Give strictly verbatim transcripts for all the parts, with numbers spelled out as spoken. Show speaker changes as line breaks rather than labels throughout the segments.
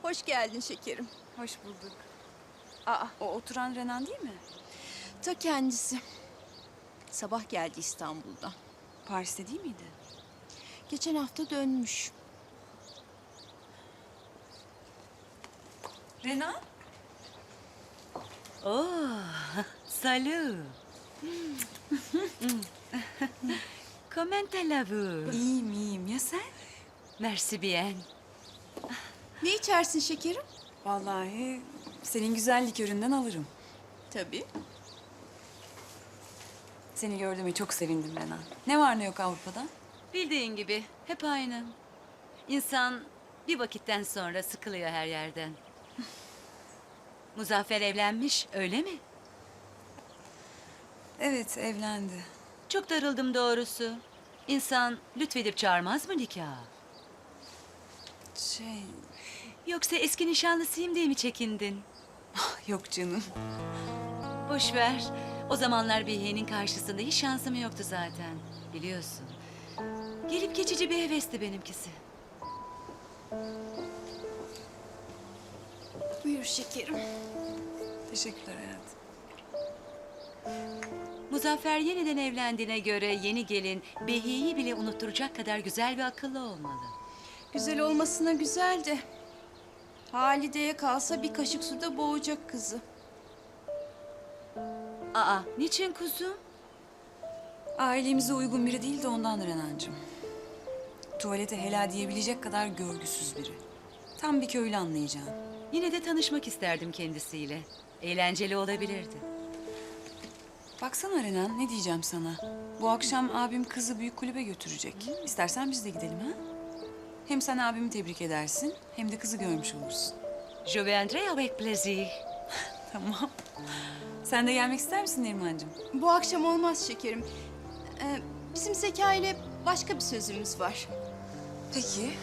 Hoş geldin şekerim.
Hoş bulduk. Aa, o oturan Renan değil mi?
Ta kendisi. Sabah geldi İstanbul'dan.
Paris'te değil miydi?
Geçen hafta dönmüş.
Renan?
Oh, salut. Comment allez-vous?
İyiyim, iyiyim. Ya sen?
Merci bien.
Ne içersin şekerim?
Vallahi senin güzel liköründen alırım.
Tabii.
Seni gördüğüme çok sevindim Renan. Ne var ne yok Avrupa'da?
Bildiğin gibi hep aynı. İnsan bir vakitten sonra sıkılıyor her yerden. Muzaffer evlenmiş, öyle mi?
Evet, evlendi.
Çok darıldım doğrusu. İnsan lütfedip çağırmaz mı nikaha?
Şey,
Yoksa eski nişanlısıyım diye mi çekindin?
yok canım.
Boş ver. O zamanlar Behiye'nin karşısında hiç şansım yoktu zaten. Biliyorsun. Gelip geçici bir hevesti benimkisi.
Buyur şekerim.
Teşekkürler hayatım.
Muzaffer yeniden evlendiğine göre yeni gelin Behiye'yi bile unutturacak kadar güzel ve akıllı olmalı.
Güzel olmasına güzel de... Halide'ye kalsa bir kaşık suda boğacak kızı.
Aa, niçin kuzum?
Ailemize uygun biri değil de ondan Renancığım. Tuvalete helal diyebilecek kadar görgüsüz biri. Tam bir köylü anlayacağın.
Yine de tanışmak isterdim kendisiyle. Eğlenceli olabilirdi.
Baksana Renan, ne diyeceğim sana? Bu akşam abim kızı büyük kulübe götürecek. İstersen biz de gidelim ha? Hem sen abimi tebrik edersin, hem de kızı görmüş olursun.
Je viendrai avec plaisir.
Tamam. Sen de gelmek ister misin Nerimancığım?
Bu akşam olmaz şekerim. Ee, bizim Zeka ile başka bir sözümüz var.
Peki.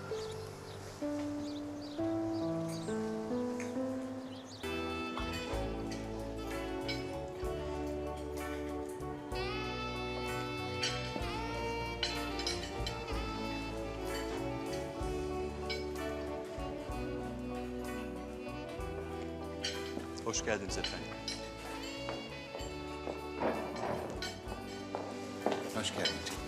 Hoş geldiniz efendim.
Hoş geldin canım.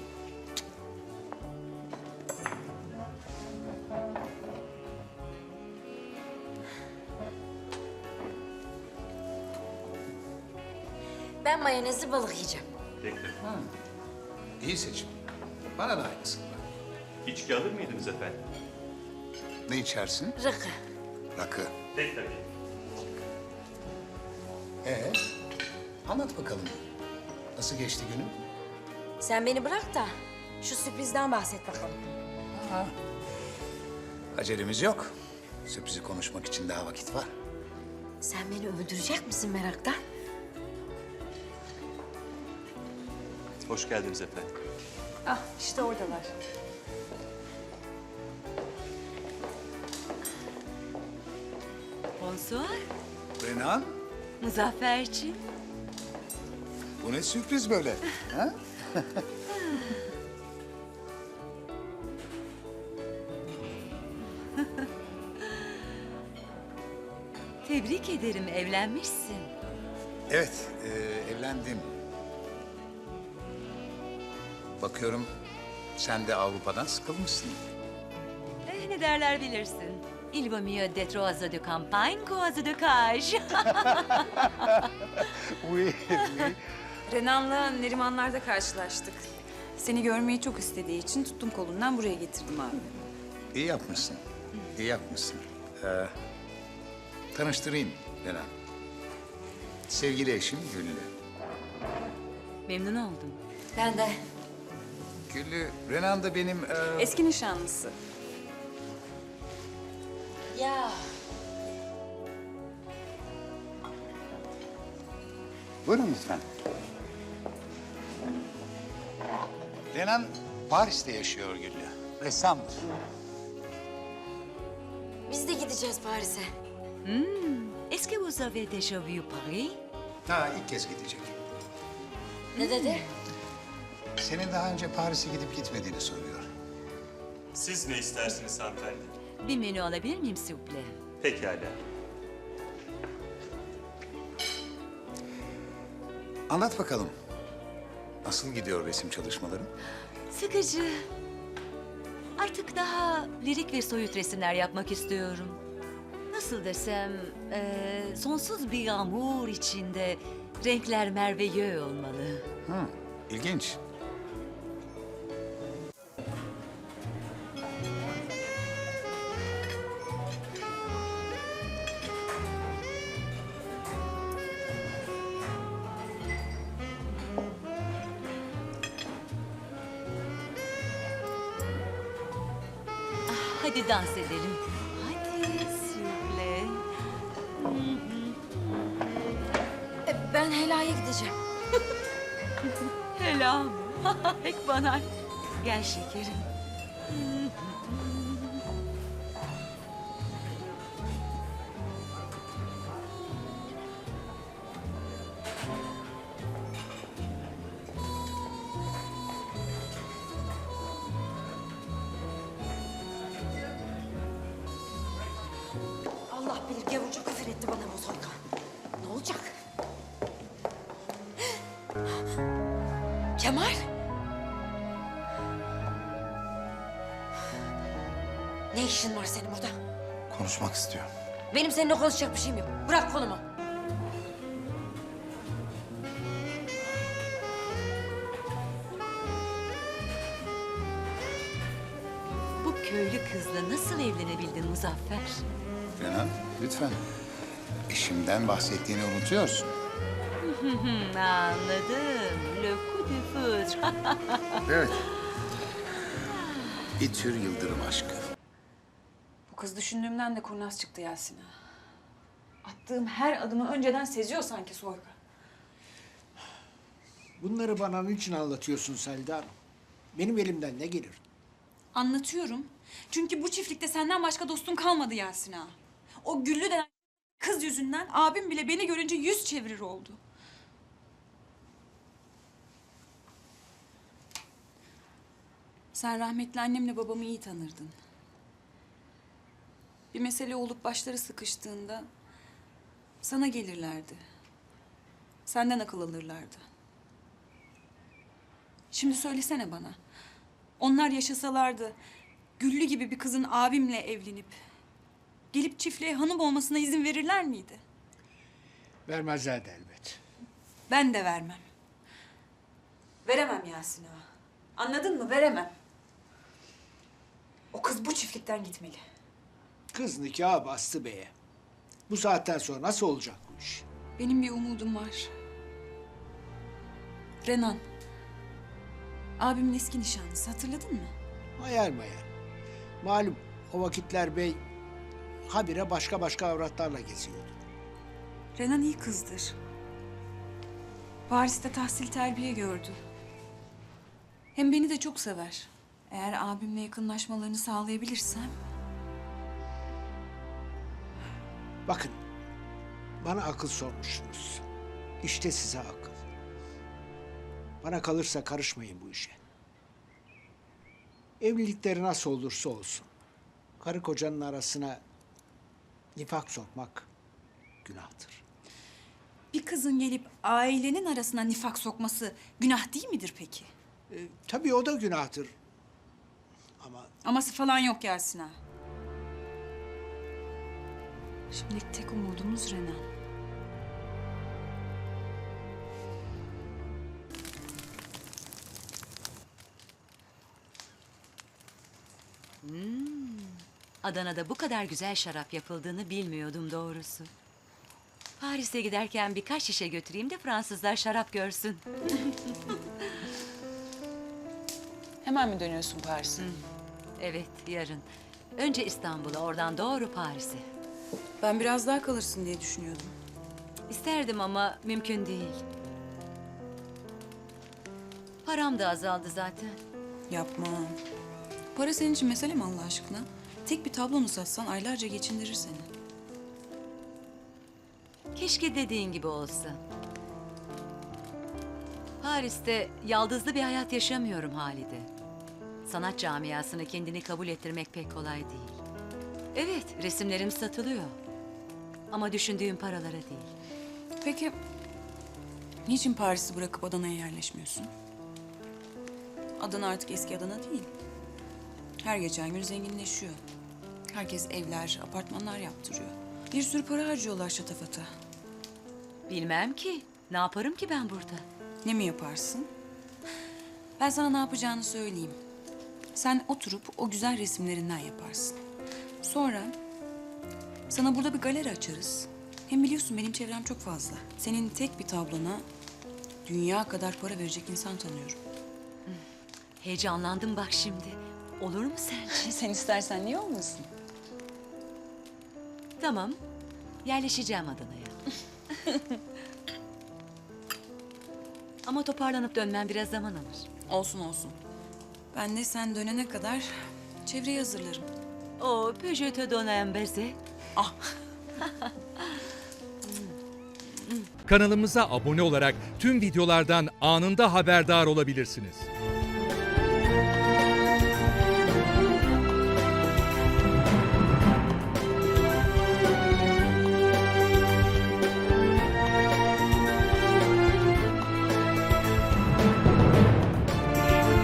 Ben mayonezli balık yiyeceğim.
Bekle.
İyi seçim. Bana da aynısını var.
İçki alır mıydınız efendim?
Ne içersin?
Rakı.
Rakı.
Pek tabii.
Ee, anlat bakalım. Nasıl geçti günün?
Sen beni bırak da şu sürprizden bahset bakalım.
Ha. Acelemiz yok. Sürprizi konuşmak için daha vakit var.
Sen beni öldürecek misin meraktan?
Hoş geldiniz efendim.
Ah, işte oradalar.
Bonsoir.
Renan,
Muzafferciğim.
bu ne sürpriz böyle? Ha?
Tebrik ederim, evlenmişsin.
Evet, e, evlendim. Bakıyorum sen de Avrupa'dan sıkılmışsın.
Eh, ne derler bilirsin. Il vaut mieux d'être oiseau de campagne qu'oiseau de cage.
Oui,
Renan'la Nerimanlar'da karşılaştık. Seni görmeyi çok istediği için tuttum kolundan buraya getirdim abi.
İyi yapmışsın. İyi yapmışsın. Ee, tanıştırayım Renan. Sevgili eşim Güllü.
Memnun oldum.
Ben de.
Güllü, Renan da benim... e,
Eski nişanlısı.
Ya
Buyurun lütfen. Renan Paris'te yaşıyor Güllü. Ressamdır.
biz de gideceğiz Paris'e.
Est-ce que vous avez déjà vu Paris?
Ha, ilk kez gidecek.
Ne dedi?
Senin daha önce Paris'e gidip gitmediğini soruyor.
Siz ne istersiniz hanımefendi?
Bir menü alabilir miyim s'il vous plaît?
Pekala.
Anlat bakalım. Nasıl gidiyor resim çalışmaların?
Sıkıcı. Artık daha lirik ve soyut resimler yapmak istiyorum. Nasıl desem, eee, sonsuz bir yağmur içinde renkler merveilleux olmalı.
Hı, ilginç.
Hadi dans edelim. Hadi s'il vous plaît.
E, ben helaya gideceğim.
Selam. Pek banal. Gel şekerim.
Allah bilir gavurca küfür etti bana bu soykan. Ne olacak? Kemal? Ne işin var senin burada?
Konuşmak istiyorum.
Benim seninle konuşacak bir şeyim yok. Bırak kolumu.
Bu köylü kızla nasıl evlenebildin Muzaffer?
Renan, lütfen. Eşimden bahsettiğini unutuyorsun.
Hmm, anladım. Le coup de foudre.
Evet. Bir tür yıldırım aşkı.
Bu kız düşündüğümden de kurnaz çıktı Yasin ağa. Attığım her adımı önceden seziyor sanki Soyka.
Bunları bana niçin anlatıyorsun Selda Hanım? Benim elimden ne gelir?
Anlatıyorum. Çünkü bu çiftlikte senden başka dostum kalmadı Yasin ağa. O Güllü denen kız yüzünden abim bile beni görünce yüz çevirir oldu. Sen rahmetli annemle babamı iyi tanırdın. Bir mesele olup başları sıkıştığında sana gelirlerdi. Senden akıl alırlardı. Şimdi söylesene bana. Onlar yaşasalardı Güllü gibi bir kızın abimle evlenip gelip çiftliğe hanım olmasına izin verirler miydi?
Vermezlerdi elbet.
Ben de vermem. Veremem Yasin ağa. Anladın mı? Veremem. O kız bu çiftlikten gitmeli.
Kız nikahı bastı beye. Bu saatten sonra nasıl olacak bu iş?
Benim bir umudum var. Renan. Abimin eski nişanlısı, hatırladın mı?
Hayal mayal. Malum o vakitler bey habire başka başka avratlarla geziyordu.
Renan iyi kızdır. Paris'te tahsil terbiye gördü. Hem beni de çok sever. Eğer abimle yakınlaşmalarını sağlayabilirsem...
Bakın, bana akıl sormuşsunuz. İşte size akıl. Bana kalırsa karışmayın bu işe. Evlilikleri nasıl olursa olsun, karı kocanın arasına nifak sokmak günahtır.
Bir kızın gelip ailenin arasına nifak sokması günah değil midir peki?
E, tabii o da günahtır. Ama
Aması falan yok Yasin ağa. Şimdilik tek umudumuz Renan.
Adana'da bu kadar güzel şarap yapıldığını bilmiyordum doğrusu. Paris'e giderken birkaç şişe götüreyim de Fransızlar şarap görsün.
Hemen mi dönüyorsun Paris'e?
Evet, yarın. Önce İstanbul'a, oradan doğru Paris'e.
Ben biraz daha kalırsın diye düşünüyordum.
İsterdim ama mümkün değil. Param da azaldı zaten.
Yapma. Para senin için mesele mi Allah aşkına? Tek bir tablonu satsan aylarca geçindirir seni.
Keşke dediğin gibi olsa. Paris'te yaldızlı bir hayat yaşamıyorum Halide. Sanat camiasını kendini kabul ettirmek pek kolay değil. Evet, resimlerim satılıyor. Ama düşündüğüm paralara değil.
Peki niçin Paris'i bırakıp Adana'ya yerleşmiyorsun? Adana artık eski Adana değil. Her geçen gün zenginleşiyor. Herkes evler, apartmanlar yaptırıyor. Bir sürü para harcıyorlar şatafata.
Bilmem ki. Ne yaparım ki ben burada?
Ne mi yaparsın? Ben sana ne yapacağını söyleyeyim. Sen oturup o güzel resimlerinden yaparsın. Sonra sana burada bir galeri açarız. Hem biliyorsun benim çevrem çok fazla. Senin tek bir tablona dünya kadar para verecek insan tanıyorum.
Heyecanlandım bak şimdi. Olur mu sence?
Sen istersen niye olmasın?
Tamam. Yerleşeceğim Adana'ya. Ama toparlanıp dönmem biraz zaman alır.
Olsun olsun. Ben de sen dönene kadar çevreyi hazırlarım.
O peut-je te donner un baiser?
Kanalımıza abone olarak tüm videolardan anında haberdar olabilirsiniz.